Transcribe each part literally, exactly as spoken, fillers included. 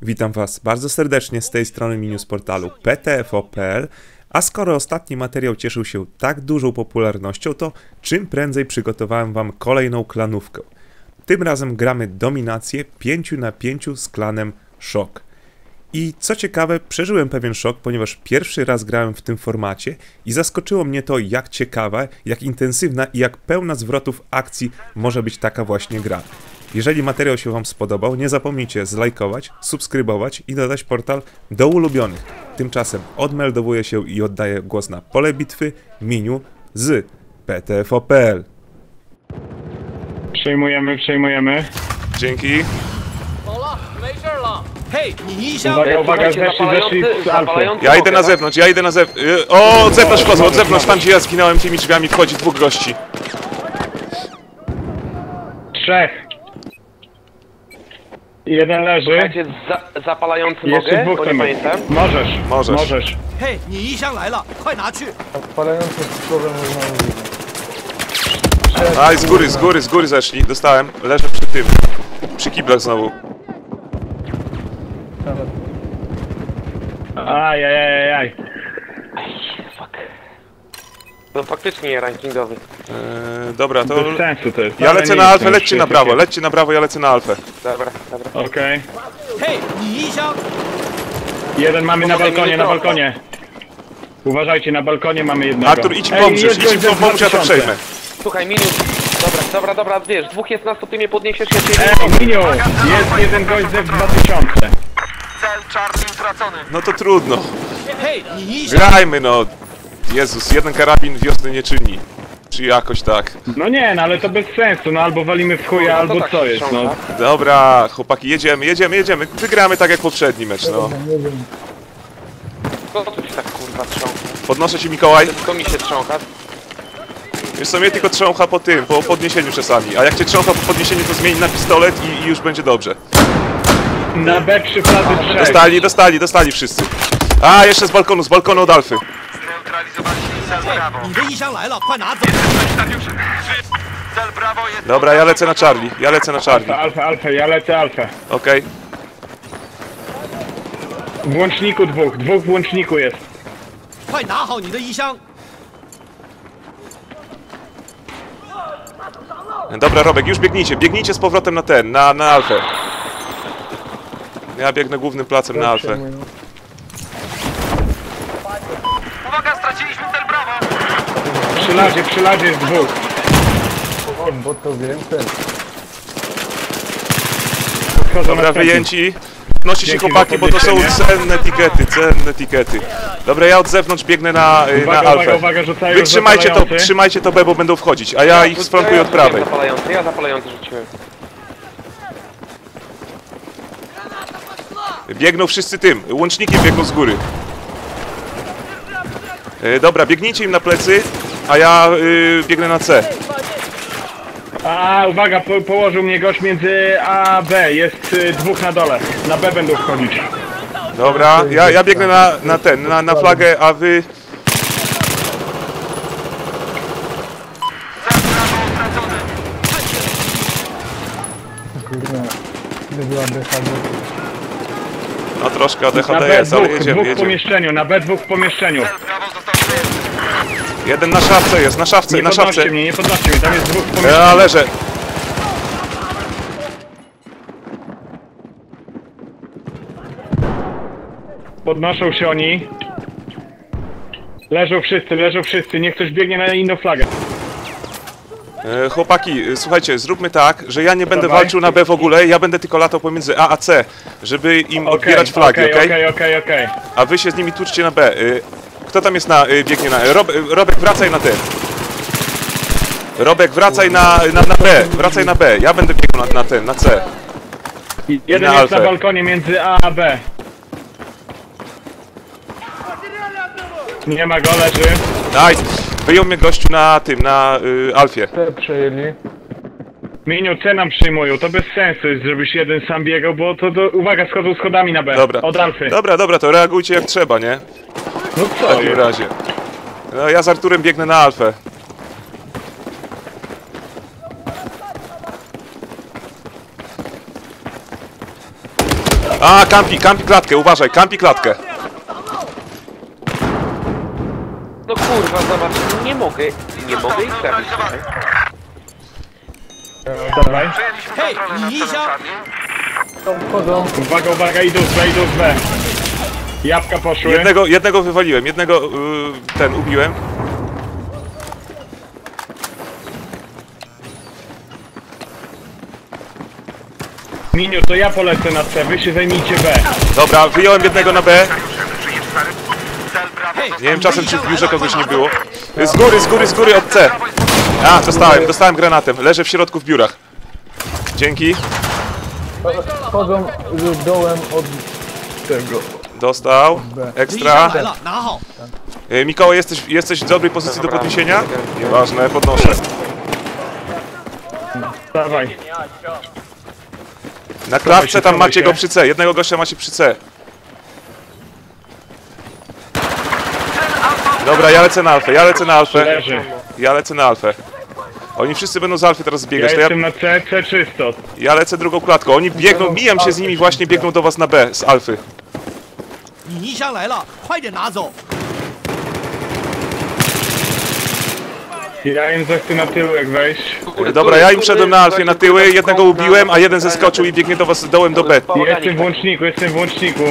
Witam Was bardzo serdecznie z tej strony menu z portalu P T F O kropka P L, a skoro ostatni materiał cieszył się tak dużą popularnością, to czym prędzej przygotowałem Wam kolejną klanówkę. Tym razem gramy dominację pięć na pięć z klanem Szok. I co ciekawe, przeżyłem pewien szok, ponieważ pierwszy raz grałem w tym formacie i zaskoczyło mnie to, jak ciekawa, jak intensywna i jak pełna zwrotów akcji może być taka właśnie gra. Jeżeli materiał się Wam spodobał, nie zapomnijcie zlajkować, subskrybować i dodać portal do ulubionych. Tymczasem odmeldowuję się i oddaję głos na pole bitwy menu z P T F O kropka P L. Przejmujemy, przejmujemy. Dzięki. Uwaga, uwaga, zeszli, zeszli z Alfy. Ja idę na zewnątrz, ja idę na zewnątrz. O, od zewnątrz wchodzą, od zewnątrz, tam gdzie ja zginąłem tymi drzwiami wchodzi dwóch gości. Trzech. Jeden leży. Słuchajcie, za, zapalający Jeszcze nogę, dwóch bo nie tam pamiętam. jest. Możesz, Możesz. możesz. Hej, 你衣箱来了，快拿去！ Odpalający problem można mówić. Aj, z góry, z góry, z góry zeszli, dostałem. Leżę przy tym, przy kiblach znowu. Ajajajaj. Fuck. No faktycznie rankingowy. Eee, dobra, to... Bez sensu to jest. Ja Ale lecę nie na jest alfę, to lećcie na już prawo, takie- lećcie na prawo, ja lecę na alfę. Dobra, dobra. Okej. 嘿，你衣箱。 Jeden mamy na Pomogę mi balkonie, na trochę. balkonie. Uważajcie, na balkonie mamy jednego. Artur, idź im Ej, pomóż, jest idź im gość za pomóż, ja to dwa tysiące. przejmę. Słuchaj, minut. Dobra, dobra, dobra, wiesz, dwóch jest nas, to ty mnie podniesiesz, ja cię Ej, Miniu, jest jeden gość ze dwa tysiące. Cel czarny utracony. No to trudno. 嘿，你衣箱。 Grajmy no. Jezus, jeden karabin wiosny nie czyni. Czy jakoś tak. No nie, no ale to bez sensu, no albo walimy w chuja, No to albo tak co się jest, no. ściąga. Dobra, chłopaki, jedziemy, jedziemy, jedziemy. Wygramy tak jak poprzedni mecz, no. Nie wiem. Co tu się tak kurwa trzącha? Podnoszę ci, Mikołaj. Tylko mi się trzącha. Wiesz co, mnie tylko trzącha po tym, po podniesieniu czasami. A jak cię trzącha po podniesieniu, to zmieni na pistolet i, i już będzie dobrze. Na B trzy flazy trzech. Dostali, dostali, dostali wszyscy. A, jeszcze z balkonu, z balkonu od Alfy. 你的衣箱来了，快拿走！ Dobra, ja lecę na Charlie, ja lecę na Charlie. Alfa, alfa, ja lecę alfę. Okej. W łączniku dwóch, dwóch w łączniku jest. 快拿好你的衣箱！ Dobra, Robek, już biegnijcie, biegnijcie z powrotem na ten, na, na Alfę. Ja biegnę głównym placem na Alfę. Uwaga, straciliśmy cel brawo. Przy ladzie, przy ladzie jest dwóch. Bo to wiem, ten. Podchodzą Dobra, następni. wyjęci. Nosi się Dzięki za chłopaki, bo to są podniesienie. cenne tikety, cenne tikety. Dobra, ja od zewnątrz biegnę na, y, Uwaga, na uwaga, Alfę. uwaga, rzucają Wy trzymajcie to, zapalający. trzymajcie to B, bo będą wchodzić, a ja ich sfrontuję od prawej. Ja zapalający, ja zapalający rzuciłem. Biegną wszyscy tym, łącznikiem biegną z góry. Y, Dobra, biegnijcie im na plecy, a ja y, biegnę na C. A, uwaga, po, położył mnie gość między A a B. Jest y, dwóch na dole. Na B będą wchodzić. Dobra, ja, ja biegnę na, na ten, na, na flagę, a wy... Kurwa. Gdy była B H D. No troszkę A D H Na D B jest, ale dwóch, jedziemy, dwóch w jedziemy. pomieszczeniu, na B dwóch w pomieszczeniu. Jeden na szafce jest, na szafce, Nie na podnoście szafce. mnie, nie podnoście mnie, tam jest dwóch w pomieszczeniu. Ja leżę. Podnoszą się oni. Leżą wszyscy, leżą wszyscy, niech ktoś biegnie na inną flagę. E, chłopaki, e, słuchajcie, zróbmy tak, że ja nie będę Dawaj. walczył na B w ogóle, ja będę tylko latał pomiędzy A a C, żeby im Okej, odbierać flagi, okej? okej, okej, okej, okej. A wy się z nimi tłuczcie na B. E, kto tam jest na, e, biegnie na... E, Rob, e, Robek, wracaj na ten. Robek, wracaj na, na, na B, wracaj na B, ja będę biegł na, na ten, na C. Jeden na jest na Alfę. balkonie między A a B. Nie ma go, leży. Nice. Wyjął mnie gościu na tym, na y, Alfie. Te przejęli. Miniu, C nam przyjmują, to bez sensu jest, żebyś jeden sam biegał, bo to, do... uwaga, schodzą schodami na B. Dobra. Od Alfy. Dobra, dobra, to reagujcie jak trzeba, nie? No W co takim jest? razie. No ja z Arturem biegnę na Alfę. A, kampi, kampi klatkę, uważaj, kampi klatkę. No kurwa, zobacz, nie mogę, nie mogę ich trafić. Dawaj. Hej, 你一箱， Wchodzą. Uwaga, uwaga, idą z B, idą z B. Jabłka poszły. Jednego, jednego wywaliłem, jednego yy, ten ubiłem. Miniu, to ja polecę na C, wy się zajmijcie B. Dobra, wyjąłem jednego na B. 嘿， Nie wiem czasem czy w biurze kogoś nie było. Z góry, z góry, z góry od C. A, dostałem, dostałem granatem. Leżę w środku w biurach. Dzięki. Wchodzą y, dołem od tego. Dostał. 敌箱 Ekstra. 来了，拿好。 Yy, Mikołaj, jesteś, jesteś w dobrej pozycji do podniesienia? Nieważne, podnoszę. Dawaj. Na klatce tam macie go przy C. Jednego gościa macie przy C. Dobra, ja lecę na alfę, ja lecę na alfę. Leży. Ja lecę na alfę. Oni wszyscy będą z alfy teraz Ja zbiegać. To ja, jestem na C, C czysto. ja lecę drugą klatką. Oni biegną, mijam się z nimi, właśnie biegną do was na B z alfy. 你泥箱来了，快点拿走。 Ja im zechcę na tyłek wejść. Dobra, ja im wszedłem na alfie na tyły, jednego ubiłem, a jeden zeskoczył i biegnie do was dołem do B. Jestem w łączniku, jestem w łączniku.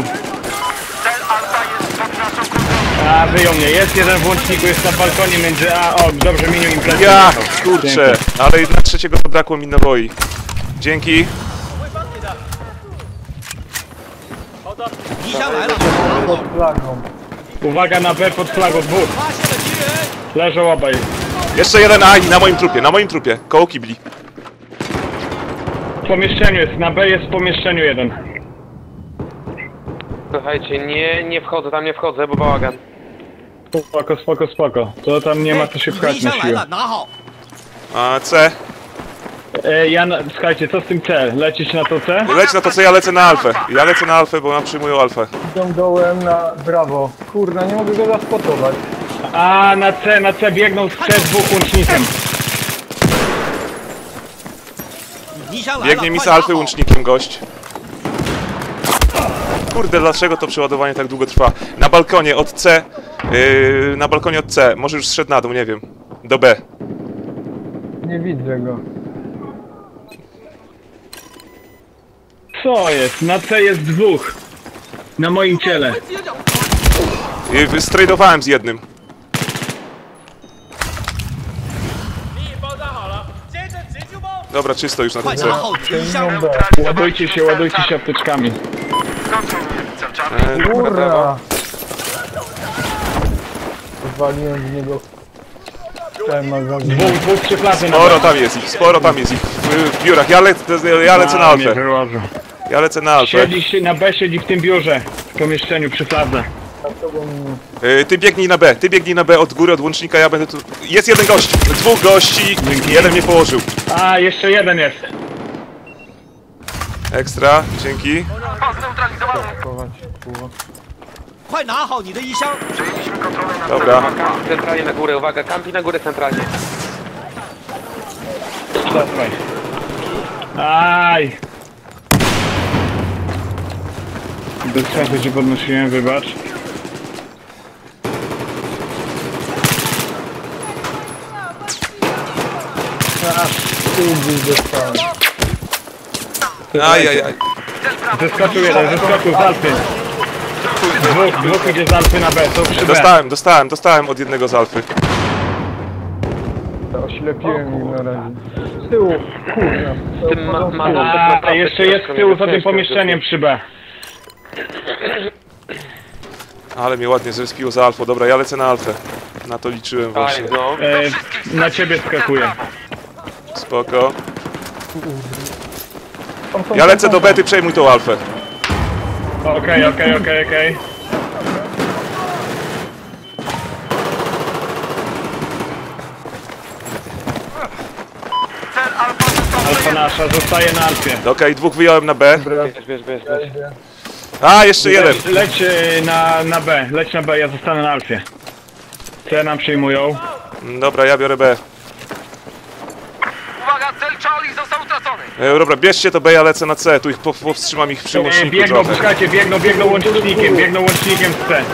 A, wyjął mnie. Jest jeden w łączniku, jest na balkonie między A... O, dobrze, Miniu im plecy. Ja, kurczę, ale na trzeciego zabrakło mi naboi. Dzięki. 泥箱来了，拿好。 Pod flagą. Uwaga na B pod flagą, dwóch. 发现了敌人， Leżą obaj. Jeszcze jeden, aj, na moim trupie, na moim trupie, koło kibli. W pomieszczeniu jest, na B jest w pomieszczeniu jeden. Słuchajcie, nie, nie wchodzę, tam nie wchodzę, bo bałagan. Spoko, spoko, spoko. To tam nie ma co się 敌 pchać na 箱来 siłę. 了，拿好。 A C. E, ja, na, słuchajcie, co z tym C? Lecieć na to C? Leć na to co ja lecę na alfę. Ja lecę na alfę, bo nam przyjmują alfę. Idą dołem na brawo. Kurna, nie mogę go zaspotować. A, na C, na C biegną z C dwóch łącznikiem. 泥箱来了， Biegnie mi 快 z 拿 alfy 好。 łącznikiem gość. Kurde, dlaczego to przeładowanie tak długo trwa? Na balkonie od C. Yy, na balkonie od C. Może już zszedł na dół, nie wiem. Do B. Nie widzę go. Co jest? Na C jest dwóch. Na moim ciele. Yy, Stradowałem z jednym. Dobra, czysto już na 快 tym C. 拿好敌箱。 Idą B. Ładujcie się, ładujcie się apteczkami. Yy, Kurna! Zwaliłem z niego ten magazyn. Dwóch, dwóch przy plaży na Sporo tam jest ich, sporo tam jest ich. W, w biurach. Ja, lec, ja lecę na A, mnie alfę. wyłożył. Ja lecę na alfę. Siedzi się na B, siedzi w tym biurze. W pomieszczeniu przy fladze. Yy, Ty biegnij na B, ty biegnij na B od góry, od łącznika, ja będę tu... Jest jeden gość, dwóch gości, jeden mnie położył. A, jeszcze jeden jest. Ekstra, dzięki. 快拿好你的衣箱。 Dobra, Kampi centralnie na górę, uwaga, kampi na górę centralnie. Dawaj. Aj. Bez sensu się podnosiłem, wybacz. Tu gdzieś dostałem. ajajaj. Zeskoczył jeden, zeskoczył z Alpy. Dwóch, dwóch idzie z Alpy na B, są przy B. Dostałem, dostałem, dostałem od jednego z alfy. Oślepiłem ich na razie. Z tyłu, kurna. Z tym ma, ma A, jeszcze jest z tyłu za tym pomieszczeniem przy B. Ale mnie ładnie zrespiło za alfą. Dobra, ja lecę na alfę. Na to liczyłem właśnie. Fajnie, no. E, na ciebie skakuje. Spoko. Tam są- Ja lecę do B, ty przejmuj tą alfę. Okej, okej, okej, okej. Alfa nasza, zostaje na Alfie. Okej, dwóch wyjąłem na B. Wiesz, wiesz, wiesz, wiesz. A, jeszcze jeden. Leć, leć e, na, na B, leć na B, ja zostanę na Alfie. C nam przyjmują. Dobra, ja biorę B. Uwaga, cel Charlie został utracony. E, dobra, bierzcie to B, ja lecę na C, tu ich po- powstrzymam ich przy E, łączniku biegną, trochę. słuchajcie, biegną, biegną łącznikiem, biegną łącznikiem z C.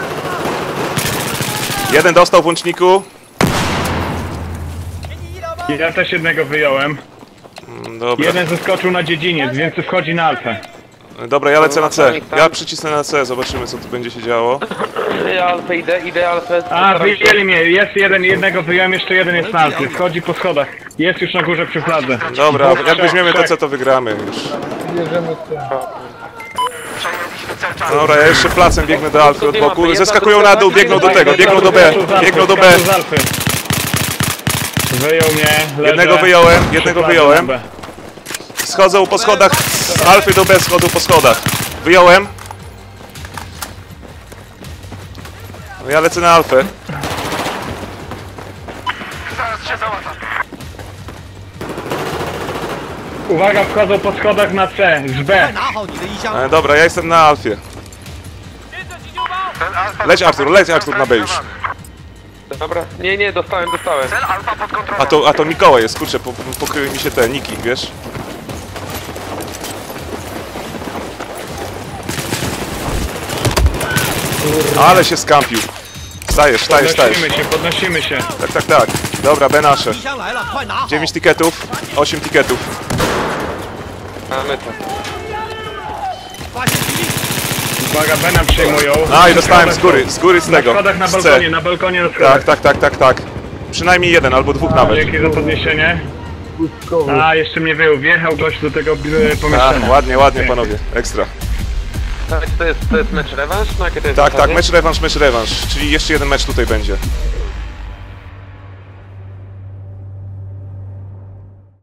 Jeden dostał w łączniku. Ja też jednego wyjąłem. Mm, Dobra, Jeden zeskoczył na dziedziniec, więc wchodzi na alfę. dobra, ja lecę na C. Ja przycisnę na C, zobaczymy co tu będzie się działo. Ja alfę idę, idę alfę. A, postaram się- wyjęli mnie, jest jeden, jednego wyjąłem, jeszcze jeden jest na alfie. Wchodzi po schodach. Jest już na górze przy fladze. Dobra, Dwóch, jak trzech, weźmiemy to trzech. C, to wygramy już. Bierzemy C. Dobra, ja jeszcze placem biegnę do Alfy od Jedna boku. druga, Zeskakują na dół, biegną do tego, biegną do B, biegną do B. Skaczą z alfy. Wyjął mnie, leżę. Jednego wyjąłem, Przy jednego fladze wyjąłem. na B. Schodzą po schodach, z Alfy do B schodzą po schodach. Wyjąłem. No ja lecę na Alfę. Uwaga, wchodzą po schodach na C, z B. 拿好你的衣箱。 E, dobra, ja jestem na Alfie. Leć Artur, leć Artur na B już. Dobra, nie, nie, dostałem, dostałem. A to, a to Mikołaj jest, kurczę, po, pokryły mi się te niki, wiesz? Ale się skampił. Wstajesz, wstajesz, wstajesz. Podnosimy się, podnosimy się. Tak, tak, tak. Dobra, B nasze. 衣箱来了，快拿好！ dziewięć tiketów, osiem tiketów. Mamy to. 发现敌力， Uwaga, B nam przejmują. A i dostałem z góry, z góry z Na tego. schodach na Z balkonie, C. na balkonie na schodach. Tak, tak, tak, tak, tak. Przynajmniej jeden albo dwóch nawet. Dzięki za podniesienie. Błyskowy. A, jeszcze mnie wyjął, wjechał gość do tego e, A, pomieszczenia. ładnie, ładnie panowie, ekstra. Tak, to jest, to jest mecz rewanż? No jakie to jest Tak, tak, zasady? mecz rewanż, mecz rewanż, czyli jeszcze jeden mecz tutaj będzie.